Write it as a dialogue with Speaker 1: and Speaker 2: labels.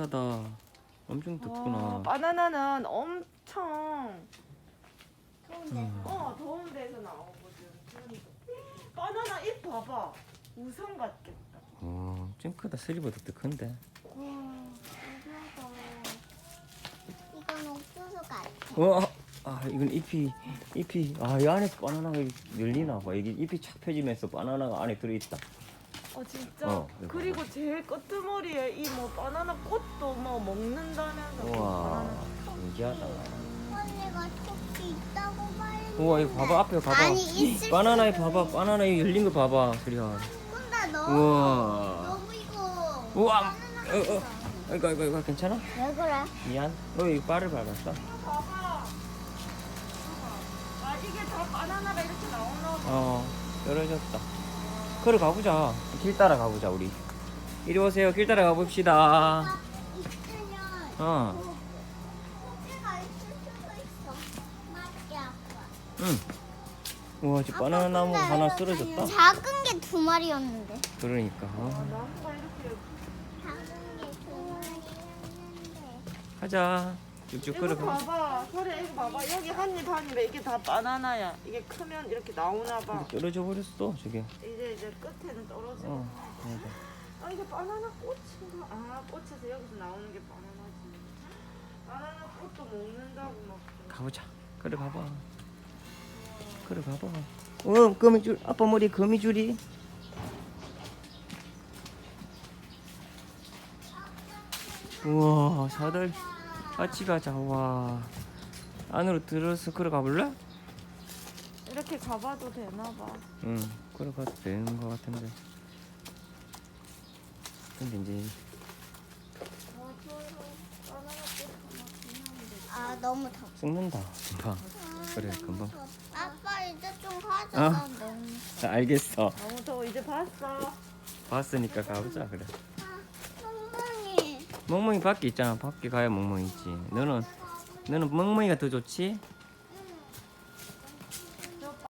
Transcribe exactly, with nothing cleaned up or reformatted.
Speaker 1: 따뜻하다. 엄청 덥구나.
Speaker 2: 와, 바나나는 엄청 더운 데,
Speaker 1: 음.
Speaker 2: 어, 더운 데서 나오거든. 그러니까. 바나나 잎 봐봐. 우산 같겠다.
Speaker 1: 어, 좀 크다. 슬리보다 더 큰데.
Speaker 2: 와, 신기하다.
Speaker 3: 이건 옥수수 같아.
Speaker 1: 와, 아 이건 잎이 잎이 아 이 안에 바나나가 열리나 봐. 이게 잎이 착 펴지면서 바나나가 안에 들어있다.
Speaker 2: 어 진짜.
Speaker 1: 어, 이거
Speaker 2: 그리고 제일 끄트머리에 이 뭐 바나나 꽃도 뭐 먹는다면서.
Speaker 1: 우와,
Speaker 2: 바나나.
Speaker 1: 신기하다.
Speaker 3: 언니가 토끼 있다고 말했는데.
Speaker 1: 우와, 이거 봐봐. 앞에 봐봐.
Speaker 3: 아니, 있을
Speaker 1: 바나나에
Speaker 3: 수도
Speaker 1: 봐봐. 바나나에 열린 거 봐봐, 소리야.
Speaker 3: 근데 너
Speaker 1: 우와.
Speaker 3: 너무 이거.
Speaker 1: 우와.
Speaker 3: 바나나
Speaker 1: 어, 어. 이거 이거 이거 괜찮아?
Speaker 3: 왜 그래?
Speaker 1: 미안. 너 이거 발을 밟았어?
Speaker 2: 봐봐. 봐봐. 아 이게 다 바나나가 이렇게 나오나 봐.
Speaker 1: 어, 떨어졌다. 걸어 가보자. 길 따라 가보자, 우리. 이리 오세요. 길 따라 가봅시다.
Speaker 3: 아, 있으면
Speaker 1: 어,
Speaker 3: 토끼가 있을 수도 있어. 맞지 아빠?
Speaker 1: 응. 우와, 저 바나나 나무 하나 쓰러졌다.
Speaker 3: 작은 게 두 마리였는데.
Speaker 1: 그러니까.
Speaker 2: 아,
Speaker 1: 어.
Speaker 2: 나무가 이렇게.
Speaker 3: 작은 게 두 마리였는데.
Speaker 1: 가자. 쭉쭉
Speaker 2: 이거
Speaker 1: 걸어가.
Speaker 2: 봐봐. 소리야 이거 봐봐. 여기 한입 한입에 이게 다 바나나야. 이게 크면 이렇게 나오나 봐.
Speaker 1: 떨어져 버렸어, 저게.
Speaker 2: 이제 이제 끝에는 떨어지고.
Speaker 1: 어, 맞아.
Speaker 2: 아 이게 바나나 꽃인가? 아 꽃에서 여기서 나오는 게 바나나지. 바나나 꽃도 먹는다고 막.
Speaker 1: 가보자. 걸어가봐. 걸어가봐. 어, 거미줄. 아빠 머리에 거미줄이. 우와, 사들. 같이 가자. 와. 안으로 들어서 걸어가 볼래?
Speaker 2: 이렇게 가봐도 되나 봐.
Speaker 1: 응, 걸어가도 되는 것 같은데. 근데 이제
Speaker 3: 아 너무 덥.
Speaker 1: 썩는다. 금방. 그래, 금방.
Speaker 3: 아빠 이제 좀 가자.
Speaker 1: 어?
Speaker 3: 나 너무.
Speaker 1: 자, 알겠어.
Speaker 2: 너무 더워. 이제 봤어.
Speaker 1: 봤으니까 가보자. 그래.
Speaker 3: 아, 멍멍이.
Speaker 1: 멍멍이 밖에 있잖아. 밖에 가야 멍멍이 있지. 너는 너는 멍멍이가 더 좋지?